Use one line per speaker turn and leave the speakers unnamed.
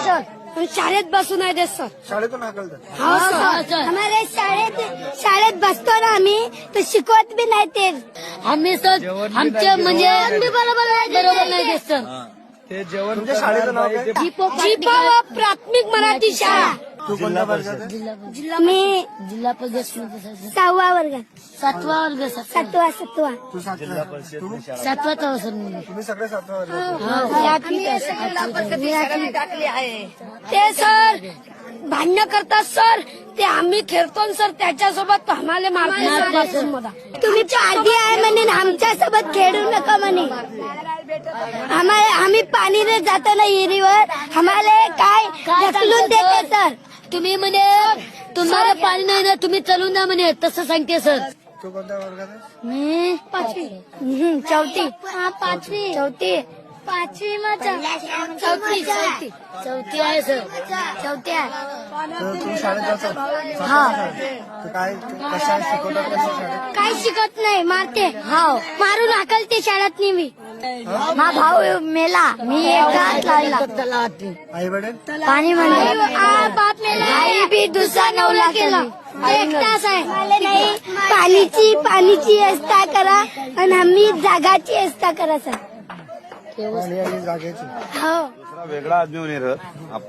Sir शाळेत बसू नाही देत सर.
शाळेतून हाकलतात.
हो सर आम्हाला शाळेत बसतो ना आम्ही तर शिकवत बी नाही ते
आम्ही सर आमच्या म्हणजे बरोबर नाही देत सर.
ते जेवण
तुमच्या शाळेचं नाव काय?
जीपा प्राथमिक मराठी शाळा.
तू कोणत्या वर्गात आहे?
मी
जिल्हा परिषद
6वा वर्गात
7वा वर्ग सर.
7वा
तू 7वा. तू
7वाचा हो सर मी.
तुम्ही सगळे 7वा वर्गात.
ते सर भांडण करतात सर. ते आम्ही खेळतो सर त्याच्यासोबत आम्हाला मारतात. तुम्ही आधी आहे म्हणे आमच्या सोबत खेळू नका म्हणे. आम्ही पाणीने जातो ना विहिरीवर आम्हाला काय ढकलून देते सर.
तुम्ही म्हणे तुम्हाला पाणी नाही ना तुम्ही चलून द्या म्हणे तसं सांगते सर.
तू कोणत्या वर्गात आहे?
मी 5वी चौथी 5वी चौथी 5वी
चौथी आहे सर.
चौथी आहे.
तर तू शाळेत जातो?
हा.
तर काय कशा शिकवतात कशा शाळेत?
काही शिकत नाही मारते. हो मारून हाकलते शाळेत मी. हा भाऊ मेला मी एकटाच लागला.
आई वडील
पाणी म्हणले बाप मेला. आई बी दुसरा नवला केला. एकटाच आहे. पाणीची व्यवस्था करा आणि आम्ही जागाची व्यवस्था करा सर.
आणि जागेची
हो
वेगळा आदमी होणे